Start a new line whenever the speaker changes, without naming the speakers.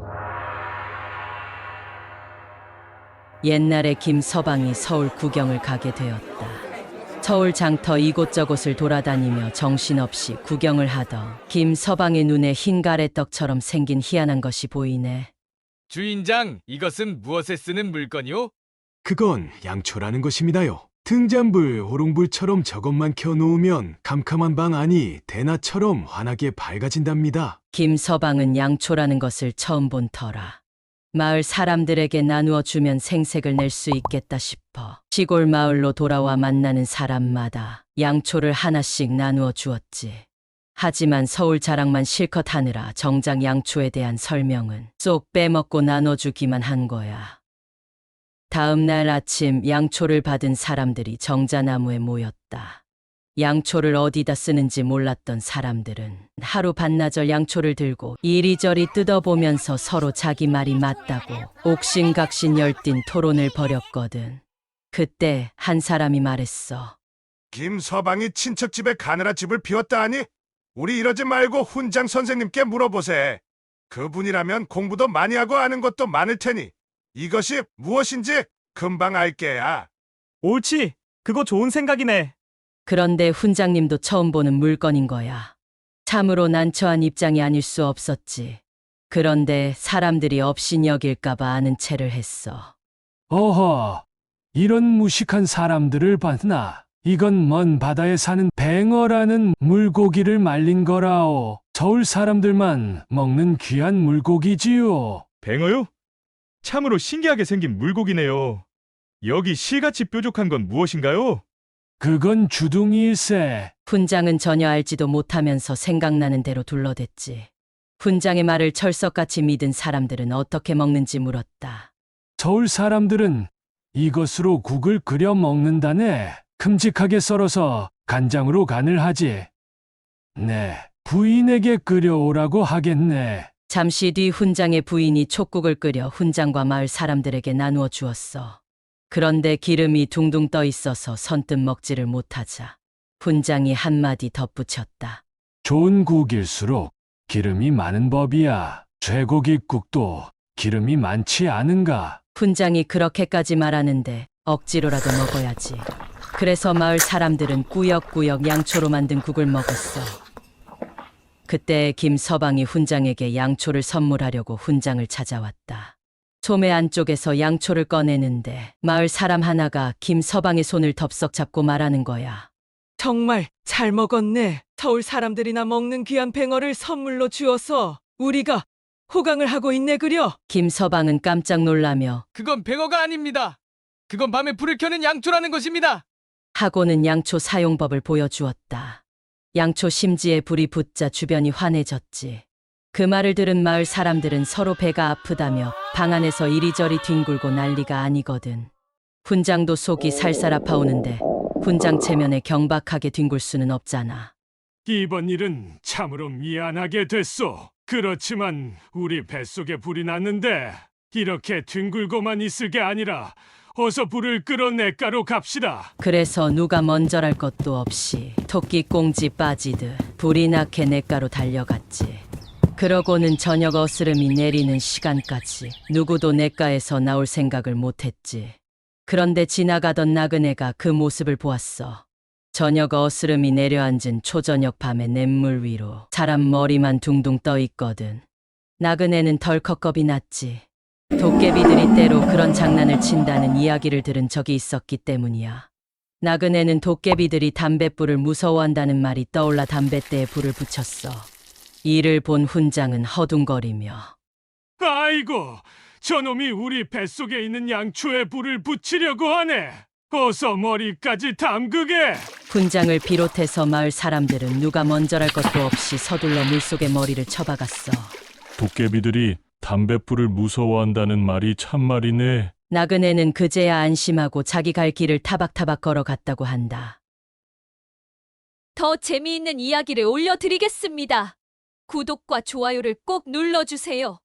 옛날에 김서방이 서울 구경을 가게 되었다. 서울 장터 이곳저곳을 돌아다니며 정신없이 구경을 하던 김서방의 눈에 흰 가래떡처럼 생긴 희한한 것이 보이네.
주인장, 이것은 무엇에 쓰는 물건이오?
그건 양초라는 것입니다요. 등잔불, 호롱불처럼 저것만 켜놓으면 캄캄한 방 안이 대낮처럼 환하게 밝아진답니다.
김서방은 양초라는 것을 처음 본 터라. 마을 사람들에게 나누어 주면 생색을 낼 수 있겠다 싶어 시골 마을로 돌아와 만나는 사람마다 양초를 하나씩 나누어 주었지. 하지만 서울 자랑만 실컷 하느라 정작 양초에 대한 설명은 쏙 빼먹고 나눠주기만 한 거야. 다음 날 아침 양초를 받은 사람들이 정자나무에 모였다. 양초를 어디다 쓰는지 몰랐던 사람들은 하루 반나절 양초를 들고 이리저리 뜯어보면서 서로 자기 말이 맞다고 옥신각신 열띤 토론을 벌였거든. 그때 한 사람이 말했어.
김서방이 친척집에 가느라 집을 비웠다 하니 우리 이러지 말고 훈장 선생님께 물어보세. 그분이라면 공부도 많이 하고 아는 것도 많을 테니 이것이 무엇인지 금방 알게야.
옳지. 그거 좋은 생각이네.
그런데 훈장님도 처음 보는 물건인 거야. 참으로 난처한 입장이 아닐 수 없었지. 그런데 사람들이 업신여길까봐 아는 체를 했어.
어허, 이런 무식한 사람들을 봤나? 이건 먼 바다에 사는 뱅어라는 물고기를 말린 거라오. 서울 사람들만 먹는 귀한 물고기지요.
뱅어요? 참으로 신기하게 생긴 물고기네요. 여기 실같이 뾰족한 건 무엇인가요?
그건 주둥이일세.
훈장은 전혀 알지도 못하면서 생각나는 대로 둘러댔지. 훈장의 말을 철석같이 믿은 사람들은 어떻게 먹는지 물었다.
서울 사람들은 이것으로 국을 끓여 먹는다네. 큼직하게 썰어서 간장으로 간을 하지. 네, 부인에게 끓여오라고 하겠네.
잠시 뒤 훈장의 부인이 촉국을 끓여 훈장과 마을 사람들에게 나누어 주었어. 그런데 기름이 둥둥 떠 있어서 선뜻 먹지를 못하자 훈장이 한마디 덧붙였다.
좋은 국일수록 기름이 많은 법이야. 쇠고기국도 기름이 많지 않은가?
훈장이 그렇게까지 말하는데 억지로라도 먹어야지. 그래서 마을 사람들은 꾸역꾸역 양초로 만든 국을 먹었어. 그때 김서방이 훈장에게 양초를 선물하려고 훈장을 찾아왔다. 소매 안쪽에서 양초를 꺼내는데 마을 사람 하나가 김서방의 손을 덥석 잡고 말하는 거야.
정말 잘 먹었네. 서울 사람들이나 먹는 귀한 뱅어를 선물로 주어서 우리가 호강을 하고 있네 그려.
김서방은 깜짝 놀라며
그건 뱅어가 아닙니다. 그건 밤에 불을 켜는 양초라는 것입니다.
하고는 양초 사용법을 보여주었다. 양초 심지에 불이 붙자 주변이 환해졌지. 그 말을 들은 마을 사람들은 서로 배가 아프다며 방 안에서 이리저리 뒹굴고 난리가 아니거든. 훈장도 속이 살살 아파오는데 훈장 체면에 경박하게 뒹굴 수는 없잖아.
이번 일은 참으로 미안하게 됐소. 그렇지만 우리 뱃속에 불이 났는데 이렇게 뒹굴고만 있을 게 아니라 어서 불을 끌어 냇가로 갑시다.
그래서 누가 먼저랄 것도 없이 토끼 꽁지 빠지듯 불이 나게 냇가로 달려갔지. 그러고는 저녁 어스름이 내리는 시간까지 누구도 냇가에서 나올 생각을 못했지. 그런데 지나가던 나그네가 그 모습을 보았어. 저녁 어스름이 내려앉은 초저녁 밤의 냇물 위로 사람 머리만 둥둥 떠 있거든. 나그네는 덜컥 겁이 났지. 도깨비들이 때로 그런 장난을 친다는 이야기를 들은 적이 있었기 때문이야. 나그네는 도깨비들이 담뱃불을 무서워한다는 말이 떠올라 담뱃대에 불을 붙였어. 이를 본 훈장은 허둥거리며
아이고, 저놈이 우리 뱃속에 있는 양초에 불을 붙이려고 하네. 어서 머리까지 담그게.
훈장을 비롯해서 마을 사람들은 누가 먼저랄 것도 없이 서둘러 물속에 머리를 쳐박았어.
도깨비들이 담뱃불을 무서워한다는 말이 참말이네.
나그네는 그제야 안심하고 자기 갈 길을 타박타박 걸어갔다고 한다.
더 재미있는 이야기를 올려드리겠습니다. 구독과 좋아요를 꼭 눌러주세요.